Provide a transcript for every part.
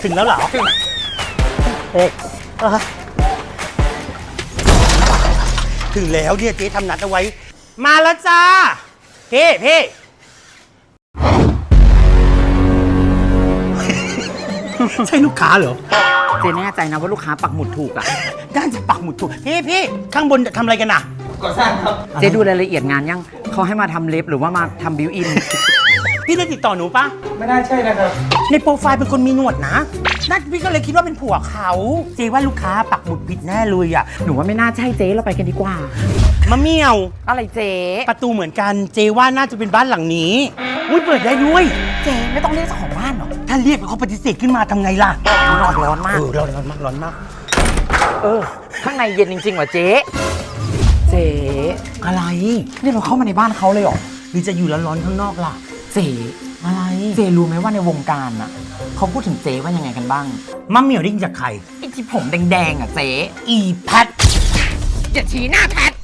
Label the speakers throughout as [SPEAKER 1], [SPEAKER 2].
[SPEAKER 1] ถึงแล้วเหรอเอ๊ะถึงแล้วเนี่ยเจ๊ทำนัดเอาไว้มาแล้วจ้าพี่ใช่ลูกค้าเหรอ
[SPEAKER 2] เจ๊แน่ใจนะว่าลูกค้าปักหมุดถูกอ่ะ
[SPEAKER 1] ด้านจะปักหมุดถูกพี่ข้างบนทำอะไรกันน่ะ
[SPEAKER 3] ก่อสร้างครับ
[SPEAKER 2] เจ๊ดูรายละเอียดงานยังเขาให้มาทำเล็บหรือว่ามาทำบิวอิน
[SPEAKER 1] พี่ได้ติดต่อหนูปะ
[SPEAKER 3] ไม่น่าใช่นะครับ
[SPEAKER 1] ในโปรไฟล์เป็นคนมีหนวดนะนั่นพี่ก็เลยคิดว่าเป็นผัวเขาเจ๊ว่าลูกค้าปักหมุดผิดแน่เลยอ่ะ
[SPEAKER 2] หนูว่าไม่น่าใช่เจ๊เราไปกันดีกว่าม
[SPEAKER 1] ะเมี่ยว
[SPEAKER 2] อะไรเจ๊
[SPEAKER 1] ประตูเหมือนกันเจ๊ว่าน่าจะเป็นบ้านหลังนี้อุ้ยเปิดได้ด้วย
[SPEAKER 2] เจ๊ไม่ต้องเรียกเจ้าของบ้านหรอ
[SPEAKER 1] ถ้าเรียกเขาปฏิเสธขึ้นมาทำไงล่ะ
[SPEAKER 2] ร้อนมาก
[SPEAKER 1] ร้อนมาก
[SPEAKER 2] ข้างในเย็นจริงๆว่ะเจ๊เจ๊
[SPEAKER 1] อะไร
[SPEAKER 2] นี่เราเข้ามาในบ้านเขาเลยเหรอ
[SPEAKER 1] หรือจะอยู่ร้อนๆข้างนอกล่ะ
[SPEAKER 2] เจ๊
[SPEAKER 1] อะไร
[SPEAKER 2] เจ๊รู้ไหมว่าในวงการอ่ะเขาพูดถึงเจ๊ว่ายังไงกันบ้าง
[SPEAKER 1] มะเมี่ยวได้ยินจากใคร
[SPEAKER 2] ไอ้ที่ผมแดงๆอ่ะเจ๊
[SPEAKER 1] อีแพท
[SPEAKER 2] อย่าชี้หน้าแพท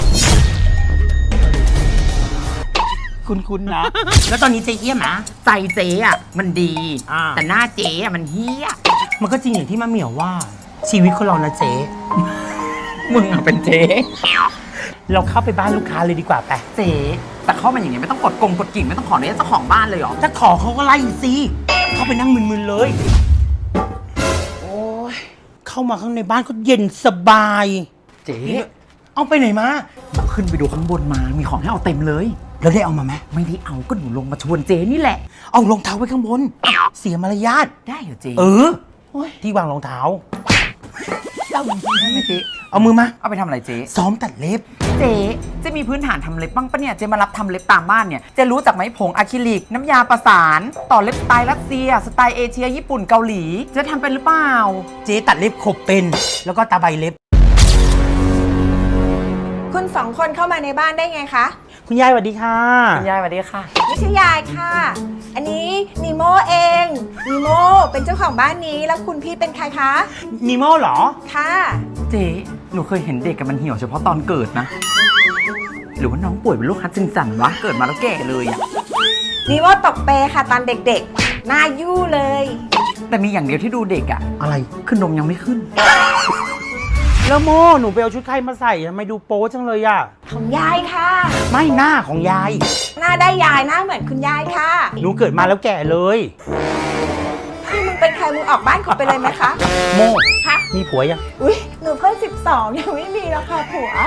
[SPEAKER 1] คุณนะ แล้วตอนนี้เจ๊เอี้ยมนะ
[SPEAKER 2] ใจเจ๊อ่ะมันดี
[SPEAKER 1] อ่า
[SPEAKER 2] แต่หน้าเจ๊อ่ะมันเฮี้ย
[SPEAKER 1] มันก็จริงอย่างที่มะเมี่ยวว่า ชีวิตคนเรานะเจ๊
[SPEAKER 2] มึงอ่ะเป็นเจ๊
[SPEAKER 1] เราเข้าไปบ้านลูกค้าเลยดีกว่าไป
[SPEAKER 2] เจ๊แต่เข้ามาอย่างเงี้ยไม่ต้องกดกิ่งไม่ต้องขออนุญาตเจ้าของบ้านเลยเหรอ
[SPEAKER 1] ถ้าขอเขาก็ไล่สิเข้าไปนั่งมึนๆเลย
[SPEAKER 2] โอ้ย
[SPEAKER 1] เข้ามาข้างในบ้านก็เย็นสบาย
[SPEAKER 2] เจ๊
[SPEAKER 1] เอาไปไหนมา
[SPEAKER 2] ขึ้นไปดูข้างบนมามีของให้เอาเต็มเลย
[SPEAKER 1] แล้วได้เอามาไหม
[SPEAKER 2] ไม่ได้เอาก็หนูลงมาชวนเจ๊นี่แหละ
[SPEAKER 1] เอารองเท้าไว้ข้างบน เสียมารยาท
[SPEAKER 2] ได้เหรอเจ๊
[SPEAKER 1] ที่วางรองเท้า
[SPEAKER 2] เอาจริงๆได้ไหมเจ๊
[SPEAKER 1] เอามือมา
[SPEAKER 2] เอาไปทำอะไรเจ๊
[SPEAKER 1] ซ้อมตัดเล็บ
[SPEAKER 2] เจ๊มีพื้นฐานทำเล็บบ้างปะเนี่ยเจ๊มารับทำเล็บตามบ้านเนี่ยเจ๊รู้จักไหมผงอะคริลิกน้ำยาประสานต่อเล็บสไตล์รัสเซียสไตล์เอเชียญี่ปุ่นเกาหลีเจ๊ทำเป็นหรือเปล่า
[SPEAKER 1] เจ๊ตัดเล็บขบเป็น แล้วก็ตาใบเล็บ
[SPEAKER 4] คุณสองคนเข้ามาในบ้านได้ไงคะ
[SPEAKER 1] คุณยายสวัสดีค่ะ
[SPEAKER 2] คุณยายสวัสดีค่ะ
[SPEAKER 4] ไม่ใช่ยายค่ะ อันนี้นีโมเอง นีโมเป็นเจ้าของบ้านนี้แล้วคุณพี่เป็นใครคะ
[SPEAKER 1] นีโมเหรอ
[SPEAKER 4] ค่ะ
[SPEAKER 2] เจ๊หนูเคยเห็นเด็กกับมันเหี่ยวเฉพาะตอนเกิดนะ หรือว่าน้องป่วยเป็นโรคฮัดจินสันวะเกิดมาแล้วแก่เลยอะ
[SPEAKER 4] นีโมตกเปค่ะตอนเด็กๆ หน้ายู่เลย
[SPEAKER 2] แต่มีอย่างเดียวที่ดูเด็กอะ
[SPEAKER 1] อะไร
[SPEAKER 2] คือนมยังไม่ขึ้น
[SPEAKER 1] แล้วโมหนูไปเอาชุดใครมาใส่ทำไมดูโป๊จังเลยอะ
[SPEAKER 4] ของยายค่ะ
[SPEAKER 1] ไม่หน้าของยาย
[SPEAKER 4] หน้าได้ยายหน้าเหมือนคุณยายค่ะ
[SPEAKER 1] หนูเกิดมาแล้วแก่เลย
[SPEAKER 4] พี่มึงเป็นใครมึงออกบ้านขอไปเลยไหมคะ
[SPEAKER 1] โม
[SPEAKER 4] คะ
[SPEAKER 1] มีผัวยัง
[SPEAKER 4] อุ้ยหนูเพิ่ง12ยังไม่มีแล้วค่ะผัว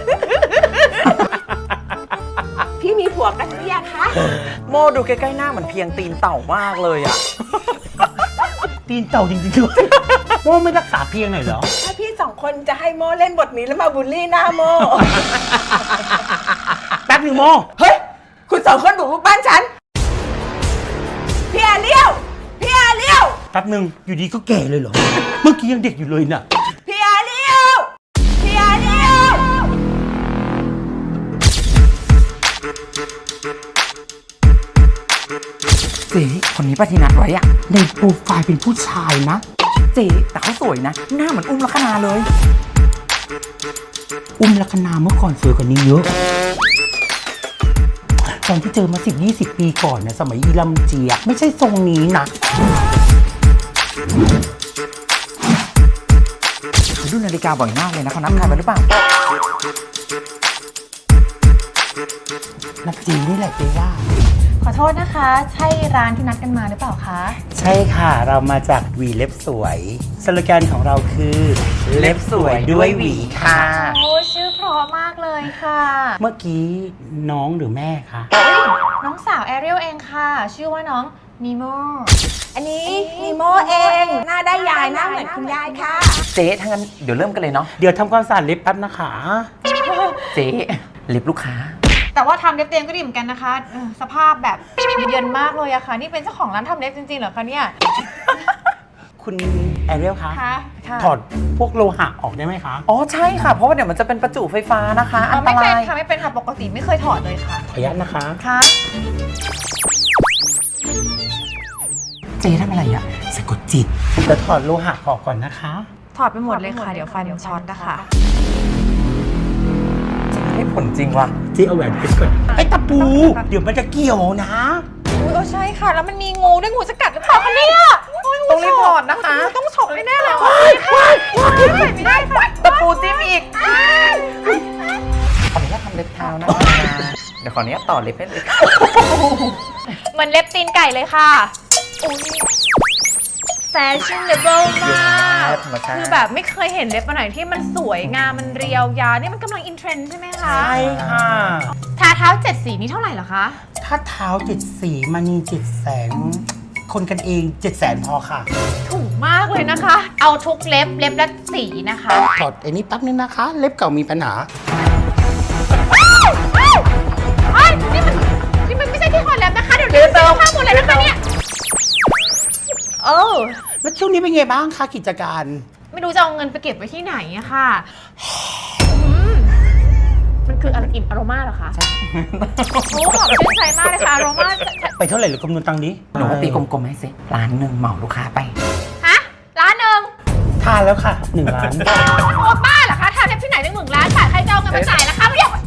[SPEAKER 4] พี่มีผัวกันหรือยังคะ
[SPEAKER 2] โมดูใกล้ๆหน้าเหมือนเพียงตีนเต่ามากเลยอะ
[SPEAKER 1] ตีนเต่าจริงๆด้วย โมไม่รักษาเพียงหน่อยเหรอ
[SPEAKER 4] ถ้าพี่สองคนจะให้โมเล่นบทนี้แล้วมาบูลลี่หน้าโม
[SPEAKER 1] แป๊บหนึ่งโม
[SPEAKER 4] เฮ้ย คุณสองคนบุกรุกบ้านฉัน พี่อาเลี้ยว พี่อาเลี้ยว
[SPEAKER 1] แป๊บหนึ่งอยู่ดีก็แก่เลยเหรอ เมื่อกี้ยังเด็กอยู่เลยน่ะ
[SPEAKER 4] พี่อาเลี้ยว พี่อาเลี้ยว
[SPEAKER 2] เจ๊คนนี้ปฏินัดไว้อะ
[SPEAKER 1] ในโปรไฟล์เป็นผู้ชายนะ
[SPEAKER 2] เจ๊แต่เขาสวยนะ หน้าเหมือนอุ้มลักษณาเลย
[SPEAKER 1] อุ้มลักษณาเมื่อก่อนสวยกว่านี้เยอะ ตอนที่เจอมา10-20 ปีก่อนนะสมัยอีลำเจียกไม่ใช่ทรงนี้นะ
[SPEAKER 2] เขาดูนาฬิกาบ่อยมากเลยนะเขานับทายไปหรือเปล่า
[SPEAKER 1] นับจีนี่แหละเจ๊ว่า
[SPEAKER 5] ขอโทษนะคะ ใช่ร้านที่นัดกันมาหรือเปล่าคะ
[SPEAKER 1] ใช่ค่ะเรามาจากหวีเล็บสวยสโลแกนของเราคือเล็บสวยด้วยหวีค่ะ
[SPEAKER 5] โอ้ชื่อเพราะมากเลยค่ะ
[SPEAKER 1] เมื่อกี้น้องหรือแม่คะ
[SPEAKER 5] น้องสาวแอเรียลเองค่ะ ชื่อว่าน้องนีโม
[SPEAKER 4] อันนี้นีโมเอง หน้าได้ยายหน้าเหมือนคุณยายค่ะ
[SPEAKER 2] เจ๊ถ้างั้นเดี๋ยวเริ่มกันเลยเนาะ
[SPEAKER 1] เดี๋ยวทำความสะอาดเล็บแป๊บนะคะ
[SPEAKER 2] เจ๊เล็บลูกค้า
[SPEAKER 5] แต่ว่าทำเล็บเต็มก็ดีเหมือนกันนะคะสภาพแบบเยินมากเลยอะค่ะ นี่เป็นเจ้าของร้านทำเล็บจริงๆเหรอคะเนี่ย
[SPEAKER 1] คุณแอเรียลคะ
[SPEAKER 5] ค่ะ
[SPEAKER 1] ถอดพวกโลหะออกได้ไหมคะ
[SPEAKER 2] อ๋อใช่ค่ะ เพราะว่าเดี๋ยวมันจะเป็นประจุไฟฟ้านะคะ อันต
[SPEAKER 5] ไม่เป็น
[SPEAKER 2] ราย
[SPEAKER 5] ค่ะไม่เป็นค่ะปกติไม่เคยถอดเลยค่ะ
[SPEAKER 1] ขออนุญาตนะคะ
[SPEAKER 5] ค่ะ
[SPEAKER 2] เจ๊ทำอะไรอ่ะ
[SPEAKER 1] สะกดจิตจะถอดโลหะออกก่อนนะคะ
[SPEAKER 5] ถอดไปหมดเลยค่ะ เดี๋ยวไฟมันช็อตนะคะ
[SPEAKER 2] ให้ผลจริงว่ะ
[SPEAKER 1] เจ๊เอาแหวนเพชรก่อนไอ้ตะปู เดี๋ยวมันจะเกี่ยวนะ
[SPEAKER 5] อุ้ยใช่ค่ะ แล้วมันมีงูด้วยงูจะกัดหรือเปล่าคะเนี่ยอุ้ย
[SPEAKER 2] ต้องรีพอร์ตนะคะ
[SPEAKER 5] ต้องฉกแน่ๆเลยค่ะไม่ได้ค่ะ
[SPEAKER 2] ตะปูจิ้มอีกขออนุญาตทำเล็บเท้านะคะเดี๋ยวขออนุญาตต่อเล็บให้เลย
[SPEAKER 5] เหมือนเล็บตีนไก่เลยค่ะอุ้ยแฟชั่นเดเบิลมากคือแบบไม่เคยเห็นเล็บอันไหนที่มันสวยงามมันเรียวยาวนี่มันกำลังอินเทรนด์ใช่ไหมคะ
[SPEAKER 1] ใช่ค่ะ
[SPEAKER 5] ทาเท้า7 สีนี้เท่าไหร่เหรอคะ
[SPEAKER 1] ถ้าเท้า7 สีมณี7 แสนคนกันเอง7 แสนพอค่ะ
[SPEAKER 5] ถูกมากเลยนะคะ เอาทุกเล็บละสีนะคะ
[SPEAKER 1] ถอดไอ้นี้แป๊บนึงนะคะ เล็บเก่ามีปัญหา
[SPEAKER 5] นี่มันไม่ใช่ที่ถอดเล็บนะคะ เดี๋ยวเติมข้ามหมดเลยนะคะเนี่ย
[SPEAKER 1] แล้วช่วงนี้เป็นไงบ้างคะกิจการ
[SPEAKER 5] ไม่รู้จะเอาเงินไปเก็บไว้ที่ไหนอะค่ะมันคืออะไรอิ่มอโรมาเหรอคะโอ้ขอบชื่นใจมากเลยค่ะอโรมา
[SPEAKER 1] ไปเท่าไหร่หรือคำนวณตังค์นี้
[SPEAKER 2] หนูก็ตีกลมๆให้สิ1,000,000เหมาลูกค้าไป
[SPEAKER 5] ฮะร้านหนึ่ง
[SPEAKER 1] ทานแล้วค่ะ1 ล้าน
[SPEAKER 5] โอ้บ้าเหรอคะทำเล็บที่ไหนตั้ง1 ล้านบาทใครจะเอาเงินมาจ่ายล่ะคะไม่อยาก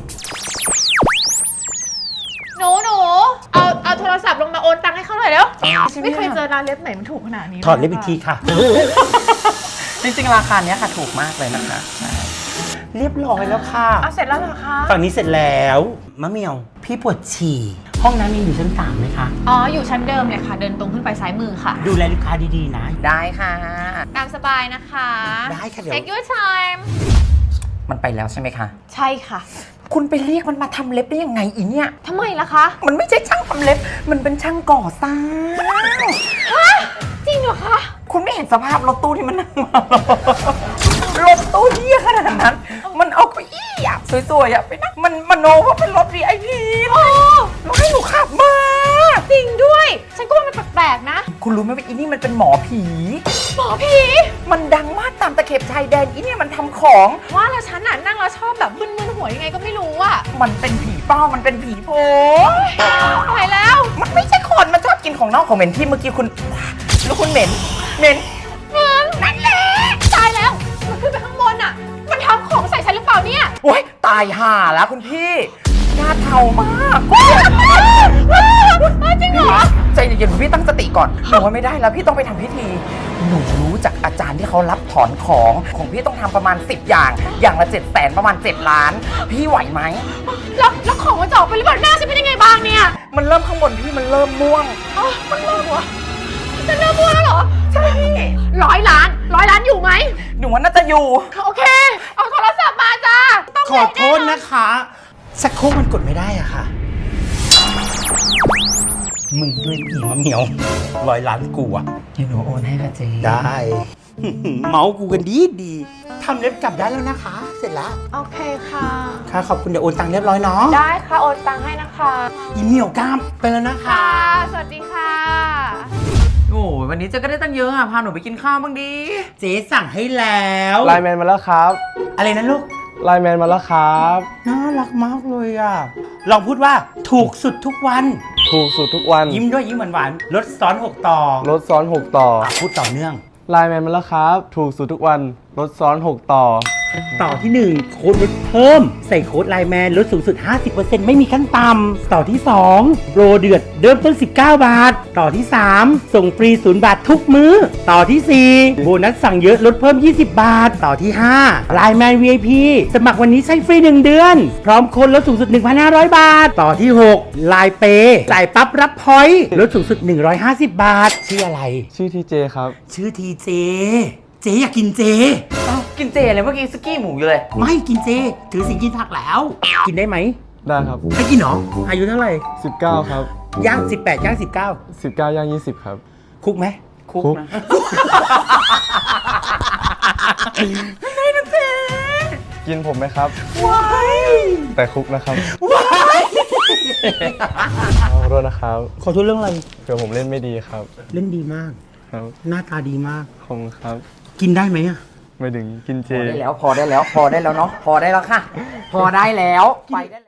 [SPEAKER 5] หนูเอาโทรศัพท์ลงมาโอนตังค์ให้เขาหน่อยเร็วไม่เคยเจอร้านเล็บไหนมันถูกขนาดนี้
[SPEAKER 1] ถอดเล็บอีกทีค่ะ
[SPEAKER 2] จริงๆราคาเนี้ยค่ะถูกมากเลยนะคะใช่
[SPEAKER 1] เรียบร้อยแล้วค่ะ
[SPEAKER 5] เอาเสร็จแล้วเหรอคะ
[SPEAKER 1] ฝั่งนี้เสร็จแล้วมะเหมียว พี่ปวดฉี่ ห้องน้ำยังอยู่ชั้น3ไหมคะ
[SPEAKER 5] อ๋ออยู่ชั้นเดิมเลยค่ะ เดินตรงขึ้นไปซ้ายมือค่ะ
[SPEAKER 1] ดูแลลูกค้าดีๆนะ
[SPEAKER 2] ได้ค่ะ
[SPEAKER 5] ตามสบายนะคะ
[SPEAKER 1] ได้ค่ะเดี๋ยว
[SPEAKER 5] Take your time
[SPEAKER 2] มันไปแล้วใช่ไหมคะ
[SPEAKER 5] ใช่ค่ะ
[SPEAKER 2] คุณไปเรียกมันมาทำเล็บได้ยังไงอีเนี่ย
[SPEAKER 5] ทำไมล่ะคะ
[SPEAKER 2] มันไม่ใช่ช่างทำเล็บ มันเป็นช่างก่อสร้าง
[SPEAKER 5] จริงเหรอคะ
[SPEAKER 2] คุณไม่เห็นสภาพรถตู้ที่มันนั่งมาหรอรถตู้เหี้ยขนาดนั้น มันเอาเก้าอี้อะสวยๆอะไปนั่งมันมโนว่าเป็นรถ VIP แล้วให้หนูขับมา
[SPEAKER 5] จริงด้วย ฉันก็ว่ามันแปลกๆนะ
[SPEAKER 2] คุณรู้ไหมว่าอีนี่มันเป็นหมอผี
[SPEAKER 5] หมอผี
[SPEAKER 2] มันดังมากตามตะเข็บชายแดนอีเนี่ยมันทำของ
[SPEAKER 5] ว่าแล้วฉันน่ะนั่งแล้วชอบแบบมึนๆหัวยังไงก็ไม่รู้อะ
[SPEAKER 2] มันเป็นผีเป้า มันเป็นผีโพง
[SPEAKER 5] ตายแล้ว
[SPEAKER 2] มันไม่ใช่คน มันชอบกินของนอกของเหม็นที่เมื่อกี้คุณ แล้วคุณเหม็น
[SPEAKER 5] นั่นแหละตายแล้ว มันขึ้นไปข้างบนอะมันทำของใส่ฉันหรือเปล่าเนี่ย
[SPEAKER 2] โอ๊ย ตายห่าแล้วคุณพี่หน้าเทามาก
[SPEAKER 5] จริงเหรอ
[SPEAKER 2] ใจเย็นๆพี่ตั้งสติก่อนหนูว่าไม่ได้แล้วพี่ต้องไปทำพิธี หนูรู้จากอาจารย์ที่เขารับถอนของพี่ต้องทำประมาณ10 อย่างละ7 แสนประมาณ7 ล้าน พี่ไหวไหม
[SPEAKER 5] แล้วของมันจะออกไปหรือเปล่าหน้าฉันเป็นยังไงบ้างเนี่ย
[SPEAKER 2] มันเริ่มข้างบนพี่มันเริ่มม่วง
[SPEAKER 5] อ๋อมันเริ่มวะจะเริ่มพูดแล้วเหรอ ใช่พี่100 ล้านอยู่ไหม
[SPEAKER 2] หนูว่าน่าจะอยู่
[SPEAKER 5] โอเค เอาโทรศัพท์มาจ้าต้อง
[SPEAKER 1] ขอโทษนะคะสักโครกมันกดไม่ได้อะค่ะ มึงด้วยผีมะเหมียว100 ล้านกูอะ
[SPEAKER 2] เดี๋ยวหนูโอนให้ค่ะเจ๊
[SPEAKER 1] ได้ เมาส์กูกันดีทำเล็บกลับได้แล้วนะคะ เสร็จแล้ว
[SPEAKER 5] โอเคค่ะ
[SPEAKER 1] ค่ะขอบคุณเดี๋ยวโอนตังค์เรียบร้อยเนาะ
[SPEAKER 5] ได้ค่ะโอนตังค์ให้นะคะ
[SPEAKER 1] อีเหมียวกล้ามไปแล้วนะคะ
[SPEAKER 5] ค่ะ สวัสดีค่ะ
[SPEAKER 2] โอ้ยวันนี้เจ๊ก็ได้ตั้งเยอะอ่ะ พาหนูไปกินข้าวบ้างดี
[SPEAKER 1] เจ๊สั่งให้แล้ว
[SPEAKER 3] ไลน์แมนมาแล้วครับ
[SPEAKER 1] อะไรนะลูก
[SPEAKER 3] ไลน์แมนมาแล้วครับ
[SPEAKER 1] น่ารักมากเลยอ่ะ ลองพูดว่าถูกสุดทุกวัน
[SPEAKER 3] ถูกสุดทุกวัน
[SPEAKER 1] ยิ้มด้วยยิ้มหวานๆลดซ้อน 6 ต่อ
[SPEAKER 3] รถซ้อน 6 ต่อ
[SPEAKER 1] พูดต่อเนื่อง
[SPEAKER 3] ไลน์แมนมาแล้วครับ ถูกสุดทุกวัน รถซ้อน 6 ต่อ
[SPEAKER 1] ต่อที่ 1 โค้ดลดเพิ่ม ใส่โค้ดไลน์แมนลดสูงสุด 50%ไม่มีขั้นต่ำต่อที่ 2 โปรเดือดเริ่มต้น 19 บาท ต่อที่ 3 ส่งฟรี0 บาททุกมื้อ ต่อที่ 4 โบนัสสั่งเยอะลดเพิ่ม 20 บาท ต่อที่ 5 ไลน์แมน VIP สมัครวันนี้ใช้ฟรี 1 เดือน พร้อมโค้ดลดสูงสุด 1,500 บาท ต่อที่ 6 ไลน์เปย์จ่ายปั๊บรับพอยต์ลดสูงสุด 150 บาท ชื่ออะไร
[SPEAKER 3] ชื่อทีเจครับ
[SPEAKER 1] ชื่อทีเจ เจอยากกินเจ
[SPEAKER 2] อ้าวกินเจเลยเมื่อกี้สกี้หมูอยู่เลย
[SPEAKER 1] ไม่กินเจ ถือสิงกินผักแล้ว กินได้ไหม
[SPEAKER 3] ได้ครับ
[SPEAKER 1] ให้กินเหรอ อายุเท่าไหร่
[SPEAKER 3] 19 ครับ
[SPEAKER 1] ย่าง 18 ย่าง
[SPEAKER 3] 19 ย่าง 20 ครับ
[SPEAKER 1] 19 คุกไหม
[SPEAKER 2] คุก
[SPEAKER 3] คุก
[SPEAKER 2] นะ
[SPEAKER 3] กินผมไหมครับ
[SPEAKER 1] ว้าย
[SPEAKER 3] แต่คุกนะครับ
[SPEAKER 1] ว้าย
[SPEAKER 3] ขอโทษนะครับ
[SPEAKER 1] ขอโทษเรื่องอะไร
[SPEAKER 3] เผื่อผมเล่นไม่ดีครับ
[SPEAKER 1] เล่นดีมาก
[SPEAKER 3] ครับ
[SPEAKER 1] หน้าตาดีมาก
[SPEAKER 3] ขอบคุณครับ
[SPEAKER 1] กินได้ไหมอะ
[SPEAKER 3] ไม่ถึงกินเจ
[SPEAKER 2] พอได้แล้วเนาะ พอได้แล้วค่ะ พอได้แล้ว ไปได้